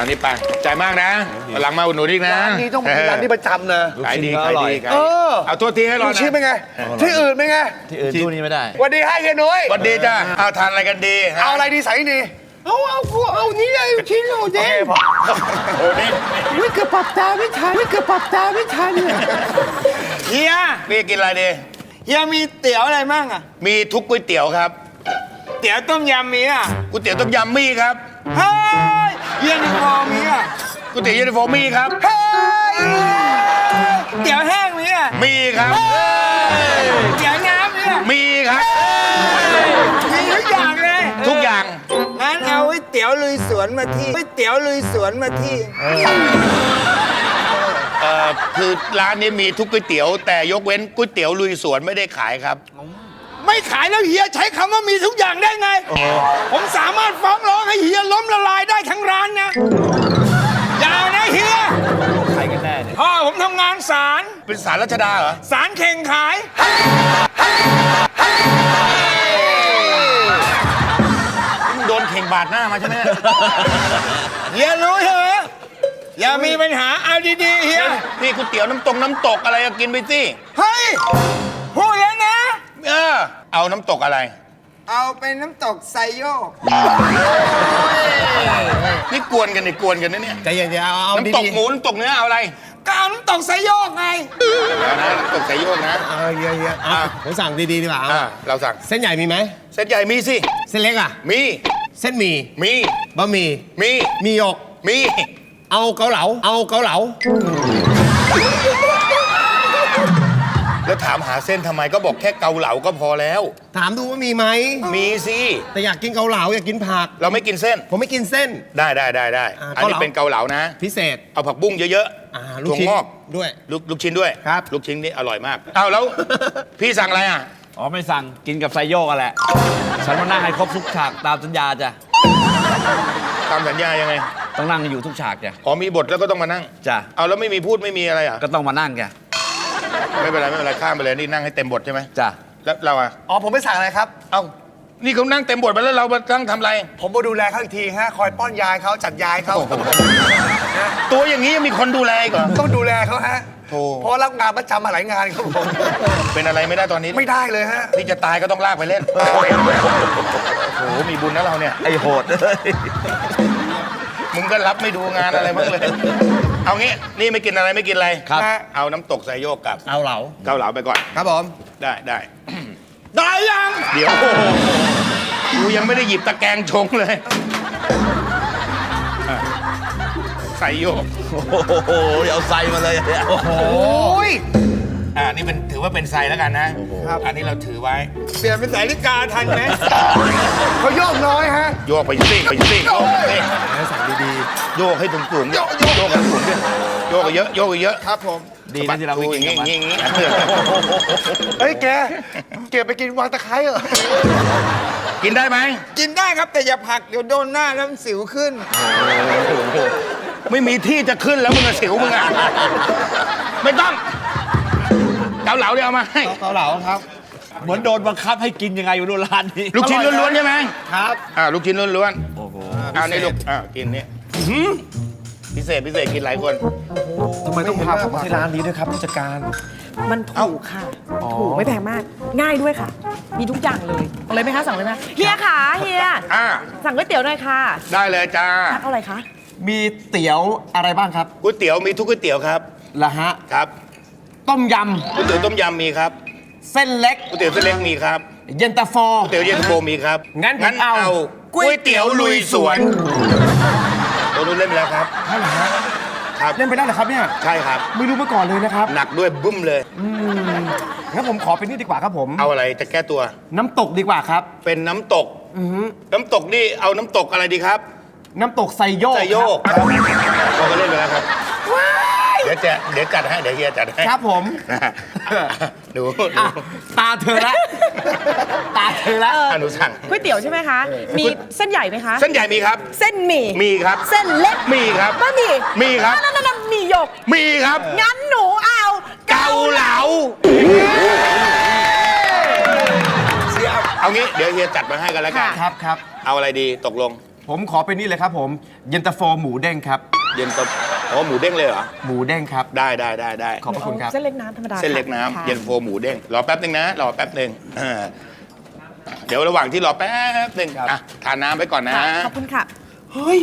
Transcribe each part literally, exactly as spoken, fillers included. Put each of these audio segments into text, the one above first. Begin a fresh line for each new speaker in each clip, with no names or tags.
อันนี้ไปใจมากนะหลังมาอุดหนุนอีกนะ
ร้านนี้ต้องเป็นร้านที่ประจำนะ
ขายดีขายดีขาย
เอ
ดี
อ
เอาตัวทีให้รอ
ลู
นะ
กชิ้นเป็นไง ที่อื่นเป็นไง
ที่อื่นตู้นี้ไม่ได้
วันดีให้เฮียนุ้ย
สวัสดีจ้าเอาทานอะไรกันดีฮ
เอาอะไรดีใส่ดีเอาเอาเอานี่เลยชิ้นโอเด้พอ
โอ้นี่
ไม่เกือบปรับตาไม่ทันไม่เกือบปรับตาไม่ทันเนี่ย
เฮีย
พี่กินอะไรดี
เฮียมีเตี๋ยวอะไรมั่งอ่ะ
มีทุกก๋วยเตี๋ยวครับ
เตี๋ยวต้มยำมีอ่ะ
ก๋วยเตี๋ยวต้มยำมีครับ
เฮ้ยเฮียนี่พอมีอ่ะ
ก๋วยเตี๋ยวเย็นตาโฟมีครับ
เฮ้ยเตี๋ยวแห้งมีอ่ะ
มีครับ
เตี๋ยวน้ำมีอ่ะ
มีครับ
มีทุกอย่างเลย
ทุกอย่าง
งั้นเอาก๋วยเตี๋ยวลุยสวนมาที่ก๋วยเตี๋ยวลุยสวนมาที่
เอ่อคือร้านนี้มีทุกก๋วยเตี๋ยวแต่ยกเว้นก๋วยเตี๋ยวลุยสวนไม่ได้ขายครับ
ไม่ขายแล้วเฮียใช้คำว่ามีทุกอย่างได้ไง ผมสามารถฟ้องร้องให้เฮียล้มละลายได้ทั้งร้านนะอย่านะเฮีย
ใครกันแน่เนี่ย
พ่อผมทำงานศาล
เป็นสารรัชดาเหรอ
ศาลเข่งขาย
โดนเข่งบาดหน้ามาใช่ไหม
เฮียรู้ใช่ไหมอย่ามีปัญหาเอาดีๆเฮีย
นี่ก๋วยเตี๋ยวน้ำตกน้ำตกอะไรอะกินไปสิ
เฮ้ยพูดแล้วนะ
เออเอาน้ำตกอะไร
เอาเป็นน้ำตกไซโยก
นี่กวนกันนี่กวนกันนะเนี่ย
ใจเย็นๆเอาเอา
น้ำตก
ดี
หมูน้ำตกเนื้อเอาอะไร
ก็เอาน้ำตกไซโยกไง
เอานะน้ำตกไก่โยกนะ
ๆเอาเฮียเฮียเอา
อ่ะ
ผมสั่งดีๆดีกว่าเอา
อ่าเราสั่ง
เส้นใหญ่มีไหม
เส้นใหญ่มีสิ
เส้นเล็กอ่ะ
มี
เส้นหมี่
มี
บะหมี่
มี
มีหยก
มี
เอาเกาเหลาเอาเกาเหลา
แล้วถามหาเส้นทำไมก็บอกแค่เกาเหลาก็พอแล้ว
ถามดูว่ามีไหม
มีสิ
แต่อยากกินเกาเหลาอยากกินผัก
เราไม่กินเส้น
ผมไม่กินเส้น
ได้ได้ได้ได้
อ่า
อันนี้
เกาเหลา
เป็นเกาเหลานะ
พิเศษ
เอาผักบุ้งเยอะ
อ่า
ๆ
ลูก
ถั่ว
ชิ้น
งอก
ด้วย
ลูกลูกชิ้นด้วย
ครับ
ลูกชิ้นนี่อร่อยมากเอาแล้ว พี่สั่งอะไรอ่ะ
อ๋อไม่สั่งกินกับไซโยกอะแหละ ฉันมานั่งให้ครบทุกฉากตามสัญญาจ้ะ
ตามสัญญายังไง
ต้องนั่งอยู่ทุกฉากจ้ะ
อ๋อมีบทแล้วก็ต้องมานั่ง
จ้ะ
เอาแล้วไม่มีพูดไม่มีอะไรอ่ะ
ก็ต้องมานั่งจ้ะ
ไม่เป็นไรไม่เป็นไรข้ามไปเลยนี่นั่งให้เต็มบทใช่ไหม
จ้ะ
แล้วเราอ่ะ
อ๋อผมไม่สั่งอะไรครับ
เอ้านี่เขานั่งเต็มบทไปแล้วเรามานั่งทำอะไร
ผมมาดูแลเขาอีกทีฮะคอยป้อนยายเขาจัดยายเขา
ตัวอย่างนี้ยังมีคนดูแลอีกเหรอ
ต้องดูแลเขาฮะ
โธ่
เพราะรับงานประจำมาหลายงานครับผม
เป็นอะไรไม่ได้ตอนนี้
ไม่ได้เลยฮะ
นี่จะตายก็ต้องลากไปเล่นโอ้โหมีบุญนะเราเนี่ย
ไอโหดเลย
มึงก็รับไม่ดูงานอะไรบ้างเลย เอางี้นี่ไม่กินอะไรไม่กินอะไร
ครับ
เอาน้ำตกใส่โยกกับ
เอาเหลา
เกาเหลาไปก่อน
ครับผม
ได้ได้
ได้ยัง
เดี๋ยวโอ้โหกูยังไม่ได้หยิบตะแกรงชงเลยอ่ะใส่โยก
โอ้โหเอาไซมาเลยเนี่ย
โอ้ย
อ่านี่เป็นถือว่าเป็นไซแล้วกันนะอันนี้เราถือไว้
เปลี่ยนเป็นสายลิกาทันไหม
เขาโยกน้อยฮะ
โยกไปสิไปสิโยกไปสิ
ให้สั่งดี
โยกให้สูงๆโยกโยกให้สูงๆด้วยโยกเยอะโยกเยอะ
ครับผม
ดีนะที่เราไม่
อ
กิน
ย่าง
กับ
งี้
มัน
อย่างงี้อย่างงี้
ๆเฮ้ยแกเก็บไปกินวางตะไคร้เหรอ
กินได้ไหม
กินได้ครับแต่อย่าผลักเดี๋ยวโดนหน้าแล้วมันสิวขึ้น
ไม่มีที่จะขึ้นแล้วมึงอะสิวมึงอะไม่ต้องเกาเหลาเดี๋ยวเอามาให้
เกาเหลาครับ
เหมือนโดนบังคับให้กินยังไงอยู่ดูร้านนี้
ลูกชิ้นล้วนๆใช่ไหม
ครับ
อ่าลูกชิ้นล้วน
โอ้โห
ๆอ่านี่ลูกอ่ากินนี่พิเศษพิเศษกินหลายคน
ทำไมต้องพาผมมาที่ร้านนี้ด้วยครับผู้จัดการ
มันถูกค่ะ ถูกไม่แพงมาก ง่ายด้วยค่ะ มีทุกอย่างเลยเอาเลยไหมคะ สั่งเลยไหมเฮียค่ะเฮีย
อ่า
สั่งก๋วยเตี๋ยวหน่อยค่ะ
ได้เลยจ้า
เอาอะไรคะ
มีเตี๋ยวอะไรบ้างครับ
ก๋วยเตี๋ยวมีทุกก๋วยเตี๋ยวครับ
ละฮะ
ครับ
ต้มย
ก๋วยเตี๋ยวต้มยำมีครับ
ำเส้นเล็ก
ก๋วยเตี๋ยวเส้นเล็กมีครับ
เย็นตาโฟ
ก๋วยเตี๋ยวเย็นตาโฟมีครับ
งั้นผมเอา
ก๋วยเตี๋ยวลุยสวนตัวนู้นเล่นไปแล้วครับ
ใช่เหรอฮะ
ครับ
เล่นไปได้เหรอครับเนี่ย
ใช่ครับ
ไม่รู้มาก่อนเลยนะครับ
หนักด้วยบึ้มเลย
งั้นผมขอเป็นนี่ดีกว่าครับผม
เอาอะไรจะแก้ตัว
น้ำตกดีกว่าครับ
เป็นน้ำตก น้ำตกนี่เอาน้ำตกอะไรดีครับ
น้ำตกไซโยก
ใจโยก
ครับ
เขาก็เล่นไปแล้วครับ เดี๋ยวจะเดี๋ยวจัดให้ เดี๋ยวเฮียจัดให้
ครับผม
หนูห
อ่ะ
นู
ตาเธอละตาเธอละ
อ่ะหนูสั่ง
ก๋วยเตี๋ยวใช่ไหมคะ มีเส้นใหญ่ไหมคะ
เส้นใหญ่มีครับ
เส้นหมี่
มีครับ
เส้นเล็ก
มีครับ
บะหมี่
มีครับ
นั่นนั่นมีหยก
มีครับ
งั้นหนูเอา
เกาเหลาเอางี้เดี๋ยวเฮียจัดมาให้กันแล้วกัน
ครับครับ
เอาอะไรดีตกลง
ผมขอเป็นนี่เลยครับผมเย็นตาโฟหมูเด้งครับ
เย็นตะอ๋อหมูเด้งเลยเหรอ
หมูเด้งครับ
ได้ได้ได้ได้
ขอบพระคุณครับ
เส้นเล็กน้ำธรรมดา
เส้นเล็ก
ค่ะ
น้ำเย็นโฟ
ค่ะ
หมูเด้งรอแป๊บหนึ่งนะรอแป๊บหนึ่งอ่าเดี๋ยวระหว่างที่รอแป๊บหนึ่งอ่ะทานน้ำไปก่อนนะ
ค่ะขอบคุณค่ะ
เฮ้ย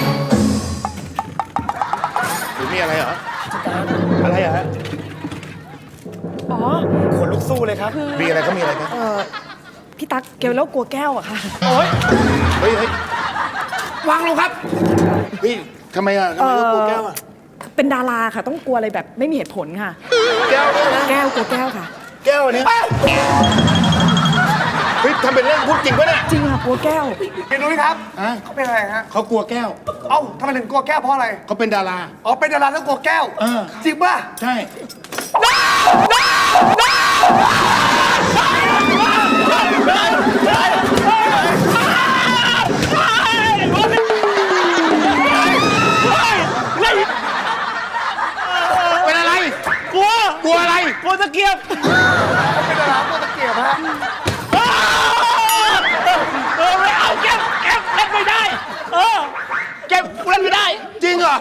หรือมีอะไรเหรออะไรเหรอฮะ
อ๋อ
ขนลุกสู้เลยครับ
มีอะไรก็มีอะไรครับ
เออพี่ตั๊กเกลแล้วกลัวแก้วอะค่ะ
เฮ้ยเฮ้ยวางลงครับเฮ้ยทำไมอ่ะทำไมต้องกลัวแก้วอ่ะ
เป็นดาราค่ะ ต้องกลัวอะไรแบบไม่มีเหตุผลค่ะ
แก้วเนี่ยนะ
แก้วกลัวแก้วค่ะ
แก้วเนี่ยเฮ้ยทำเป็นเล่นพูดจริงปะเนี่ย
จริงค่ะกลัวแก้ว
พี่นุ้ยครับ
ฮะ
เขาเป็นอะไรฮะ
เขากลัวแก้ว
เอ้าทำไมถึงกลัวแก้วเพราะอะไร
เขาเป็นดารา
อ๋อ เป็นดาราแล้วกลัวแก้ว
เออ
จริงป่ะ
ใช่ เป็นอะไร กลัว กลัวอะไร
กลัวตะเกียบ
เป็นดารากลัวตะเกียบฮะ
เออไม่เอาเก็บเก็บเล่นไม่ได้ เออเก็บเล่นไม่ได้
จริงเหรอ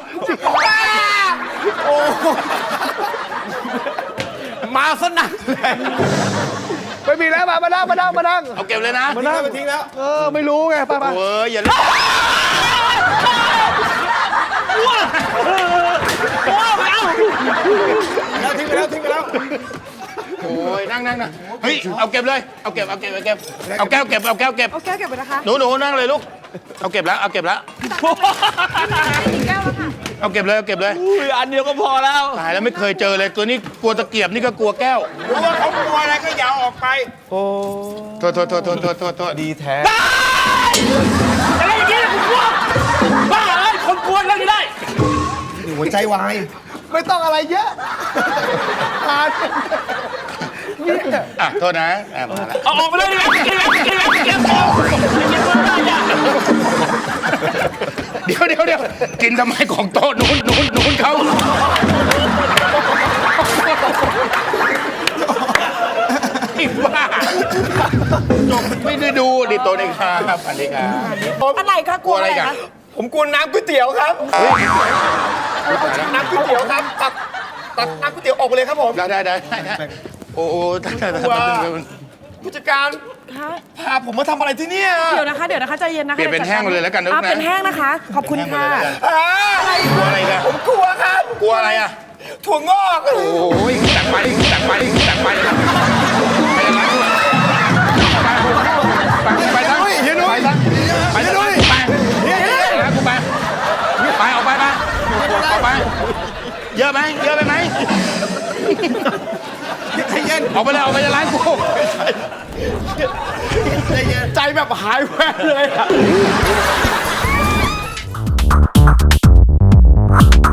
มาสนั่นเลย
ไม่มีแล้วมามานั่งมานั่งมานั่ง
เอาเก็บเลยนะ
มานั่งมาทิ้งแล้ว เออ ไม่รู้ไงไป้าป้า
โอ้ยอย่าเล่น
แล้วทิ้งไปแล้วทิ้งไปแล้ว
โอ้ยนั่งนั่งนั่งเฮ้ย เอาเก็บเลย เอาเก็บ เอาเก็บ เอาเก็บ เอาแก้วเก็บ เอาแก้วเก็บ
เอาแก้วเก็บไปนะคะ
หนูหนูนั่งเลยลูก เอาเก็บแล้ว เอาเก็บแล้ว
อีกแก้วแล้วค่ะ
เอาเก็บเลย เอาเก็บเลย
อุ้ยอันเดียวก็พอแล้ว
ตายแล้วไม่เคยเจอเลย ตัวนี้กลัวตะเกียบนี่ก็กลัวแก้ว
รู้ว่าเขากลัวอะไรก็อย่าเอาออกไป
โทษโทษโทษโทษโทษโทษโทษ
ดีแท้
อะไรอย่างเงี้ยคุณกลัวบ้าเอ้ยคนกลัวเล่นไม่ได้
หัวใจวาย ไม่ต้องอะไรเยอะทาน
อ่ะ โทษนะอ่ะมาแล้ว
เอาออกไปเลยดิเก็บเก็บเก็บเก็บเก็บเก็บ
เดี๋ยวเดี๋ยวเดี๋ยวกินทำไมของโต๊ะนู้นนู้นนู้นเขาไอ้บ้าจบไม่ได้ดูดิโตะนี่ครับอันนี้ครับ
อะไรคะกลัวอะไรคะ
ผมกลัวน้ำก๋วยเตี๋ยวครับ น้ำก๋วยเตี๋ยวครับ ตักตักน้ำก๋วยเตี๋ยวออกไปเลยครับผม
ได้ได้ได้ได้โอ้โหได้ได้ได้
ผู้จัดการ
คะ
พาผมมาทำอะไรที่เนี่ย
เดี๋ยวนะคะ เดี๋ยวนะคะใจเย็นนะคะ
เปลี่ยนเป็นแห้งเลยแล้วกันนะ
อ่ะเป็นแห้งนะคะ ขอบคุณค่ะ
อ่าก
ลัวอะไรกัน
ผมกลัวครับ
กลัวอะไรอ่ะ
ถั่วงอก
โอ้ยตักไปตักไปตักไปไปยังไงไปไปทั้งไปทั้งไปทั้งไปไปแล้วกูไปไปออกไปไปออกไปเยอะไหมเยอะไปไหมออกไปเลยออกไปจากร้านกู
ใจแบบหายแวบเลยอะ